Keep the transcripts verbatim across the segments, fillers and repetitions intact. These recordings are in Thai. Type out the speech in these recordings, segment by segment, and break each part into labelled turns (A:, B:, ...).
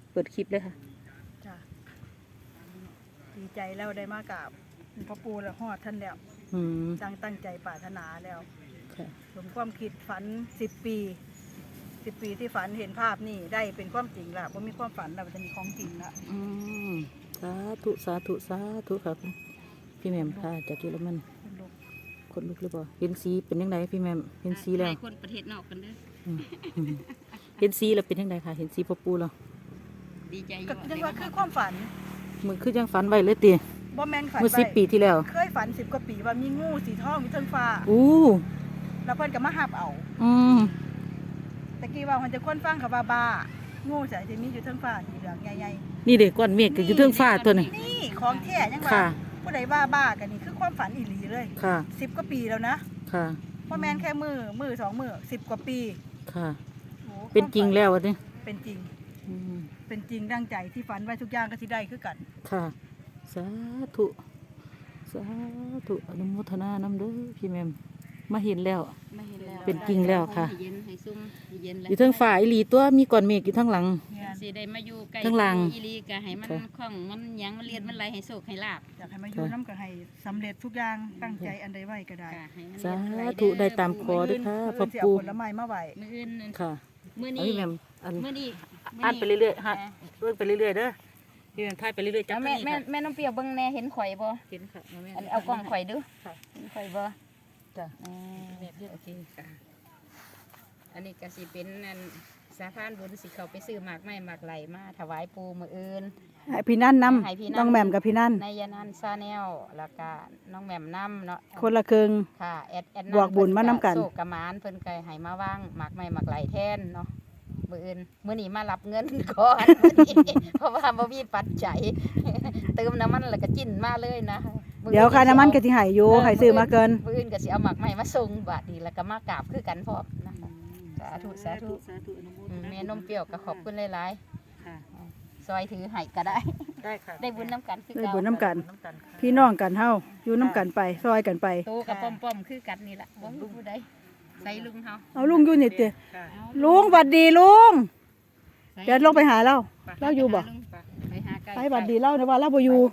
A: เปิดคลิปเลยค่ะ
B: จ้ะดีใจแล้วได้มากราบพ่อปู่และฮอดท่านแล้ว
A: อืม
B: ตั้งตั้งใจปรารถนาแล้ว
A: ค่ะ
B: สมความคิดฝันสิบปีสิบปีที่ฝันเห็นภาพนี่ได้เป็นความจริงละว่ามีความฝันแล้วมันจะมีของจริงละ
A: อืมสาธุสาธุสาธุครับพี่แหม่มค่ะจากเยอรมันคนลุกหรือเปล่าเห็นสีเป็นยังไงพี่แหม่มเห็นสีแล้ว
C: คนประเทศนอกกันเด้อ
A: เห็นสีแล้วเป็นยังไงค่ะเห็นสีพ่อปู่แล้ว
C: ดีใจ
B: ก็ยังว่าคือความฝัน
A: มือคือยังฝันไว้เลยตี
B: บ่แมนฝัน
A: เมื่อสิบปีที่แล้ว
B: เคยฝันสิบกว่าปีว่ามีงูสีทองมีเทิงฟ้า
A: อู้
B: แล้วเพิ่นก็มาหับเอา
A: อืม
B: ตะกี้ว่ามันจะค้นฟังกับบ้าบ้างูใส่ที่มีอยู่เทิงฟ้าสีเหลืองใหญ่
A: ๆนี่เด็กก้อนเมฆก็อยู่เทิงฟ้าตัวนี้
B: นี่ของแท้ยังว่าผู้ใดบ้าบ้ากันนี่คือความฝันอีหลีเลย
A: ค่ะ
B: สิบกว่าปีแล้วนะ
A: ค่ะ
B: พ่อแม่นแค่มือมือสองมือสิบกว่าปี
A: ค่ะเป็นจริงแล้ววะเนี่ย
B: เป็นจริงเป็นจริงดังใจที่ฝันไว้ทุกอย่างก็ที่ได้คือกัน
A: ค่ะสาธุสาธุอนุโมทนานำเด้อพี่แม่มมาเห็นแล้วเป็นจริงแล้วค่ะอยู่ทั้งฝ่ายอีหลีตัวมีก้อนเมฆอยู่ทั้งหลัง
C: สิได้มาอยู่ใกล้
A: ทั้งหลัง
C: อีหลีก็ให้มันคล่องมันยังมันเรียนมันไหลให้โชคให้ลาภ
B: อยากให้มาอยู่น้ำก็ให้สำเร็จทุกอย่างตั้งใจอันใดไว้ก็ได้
A: สาธุได้ตามขอด้วยค่ะพ่อปู่
B: ผลไม้มาไหว
C: มื้ออื่น
A: ค่ะ
C: มื้อนี้
A: พี่แม่มอัน
C: มื้อนี้
A: อ่านไปเรื่อยๆฮะเรื่องไปเรื่อยๆเด้อพี่แม่มถ่ายไปเรื่อยๆจ้ะ
C: แม่แม่แม่น้องเปียวเบิ่งแน่เห็นข่อยบ่
A: เห็นค่ะแม่
C: อันเอากล้องข่อยดู
A: ค่ะ
C: เห็นข่อยบ่
A: จ้ะ
C: แม่เพียโอเคค่ะอันนี้ก็สิเป็นอันสาพานบุญสิเขาไปซื้อหมากไม้หมากไหลมาถวายปู่มื้ออื่น
B: พี่นั่นนำน้องแหม่มกับพี่นั่น
C: นายนันซาแนลแล้วก็น้องแหม่มน้ำเนาะ
B: คนละครึ่ง
C: ค่ะแอดแอด
B: บวกบุญมาน้ำกัน
C: โศกกระมานเพิ่นไก่ให้มาว่างหมากไม้หมากไหลแทนเนาะมื้ออื่นมื้อนี้มารับเงินก่อนเพราะว่าบ่มีปัจจัยเติมน้ำมันแล้วก็จิ้นมาเลยนะ
B: เดี๋ยวค่าน้ำมันก็สิให้อยู่ให้ซื้อมาเกิน
C: มื้ออื่นก็สิเอาหมากไม้มาส่งบาดนี้แล้วก็มากราบคือกันพร้อมนะสาธุสาธุแม่นมเปรี้ยวก็ขอบคุณหลายๆค่ะซอยถือให้ก็ได้
A: ได้ค่ะ
C: ได้บุญน้ำกันคือ
B: ได้บุญน้ำกันพี่น้องกันเฮาอยู่น้ำกันไปซอยกันไป
C: โตกับป้อมๆคือกันนี่แหละบ่มีผู้ใดใส่ลุงเฮา
B: เอาลุงอยู่นี่เตะลุงบัดดีลุงเดี๋ยวลงไปหาเราเราอยู่บ่
C: ไปหาไก่
B: ไปบัดดีเล่านะว่าเราบ่อยู่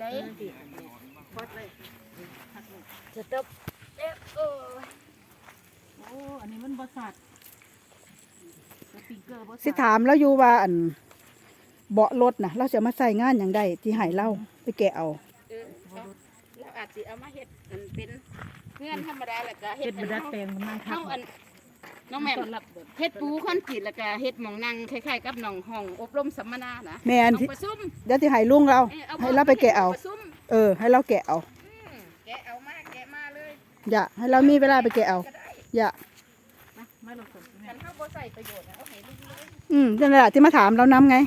C: จะตบเอ๊ะโอ้อันนี้มันบ่สัตว์
B: สิถามแล้วอยู่ว่าอันเบาะรถนะเราจะมาใส่งานอย่างใดที่ให้เราไปแกะเอา
C: เราอาจจะเอามาเฮ็ดมันเป็นเงื่อนธรรมดาแล้วก็
A: เฮ็ดเป็นดัดแปลงมันมา
C: ครับน้องแม่เฮ็ดปูคอนกรีตแล้วก็เฮ็ดหม่องนั่งคล้ายๆกับหนองห้องอบรมสัมมนานะ
B: แม่นเดี๋ยวที่ให้ลุงเราให้เราไปแกะเอาเออให้เราแกะเอา
C: แกะเอามาแกะมาเลย
B: อย่าให้เรามีเวลาไปแกะเอาอย่า
C: ไม่ลงทุนฉันเข้าบ่ใส่ประโยชน์นะเอาให้ลุงเลย
B: อืมนั่นแหละที่มาถามเรานำไง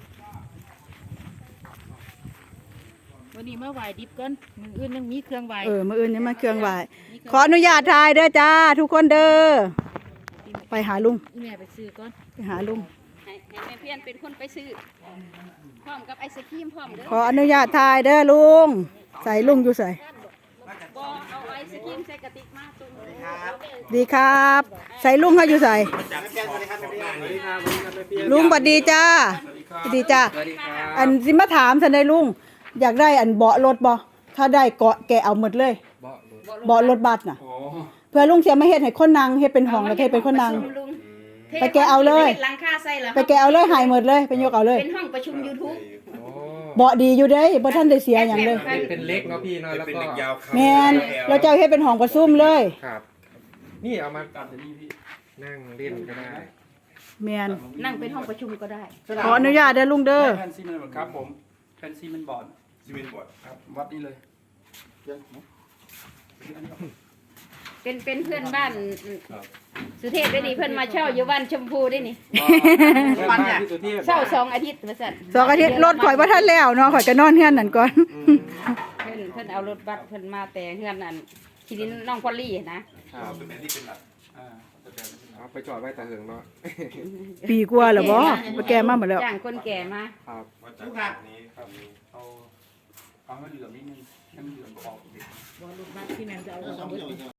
C: วันนี้มาไหว้ดิบก่อนมืออื่นยังมีเครื่องไหว้
B: เออมืออื่นยังมาเครื่องไหว้ขออนุญาตถ่ายเด้อจ้าทุกคนเด้อไปหาลุง
C: แม่ไปซื้อก่อน
B: ไปหาลุง
C: ให้แม่เพี้ยนเป็นคนไปซื้อพร้อมกับไอศครีมพร้อมเด้อ
B: ขออนุญาตถ่ายเด้อลุงใส่ลุงอยู่ใส่
C: บ่เอาไอศครีมใส่กระติกมาตุ้ม
B: ดีครับใส่ลุงเขาอยู่ใส่ลุงสวัสดีจ้าสวัสดีจ้าอันสิมาถามสันได้ลุงอยากได้อันเบาะรถบ่ถ้าได้เกาะแกเอาหมดเลยเบาะรถบัสน่ะเพื่อลุงเสียมาเฮ็ดให้คนนั่งเฮ็ดเป็นห้องแล้วเฮ็ดเป็นคนนั่งไปแกเอาเลยไปแกเอาเลยหายหมดเลยไปยกเอาเลย
C: เป็นห้องประชุม YouTube
B: เบาะดีอยู่เด้บ่ทันได้เสียหยังเลย
D: เป็นเล็กเนาะพี่เนาะแล้วก็
B: แม่นเราเจ้าเฮ็ดเป็นห้องประชุมเลย
D: ครับนี่เอามาตัดนี่พี่นั่งเล่นก็ได้
B: แม่น
C: นั่งเป็นห้องประชุมก็ได้
B: ขออนุญาตเด้อลุงเด้อ
E: แผ่นซีเมนต์ครับผมแผ่นซีเมนต์บอร์ด
D: ซีเมนต์บอร์ด
E: ครับวัดนี่เลย
C: เป็นเป็นเพื่อนบ้านสุเทพได้นี่เพื่อนมาเช่าอยู่บ้านชมพูได้นี่เช่าสองอาทิตย์มาสั่น
B: สองอาทิตย์รถข่อยว่าท่านแล้วเนาะข่อยก็นอนเฮือนนั่นก่อน
C: เพื่อนเพื่อนเอารถบัสเพื่อนมาแต่เฮือนนั่นทีนี้น้องพอลลี่นะ
D: เอาไปจอดไว้แต่เหิงเนาะ
B: ปีกว่าแล้วบ่มาแก่มาหมดแล้ว
C: จ้างคนแก่มา
D: ครับ
E: ทุกครับนี้ครับเอาเอาให้เหลือนิดนึงให้มันเหลือออกเด็ก
C: รถบัสที่แม่จะเอา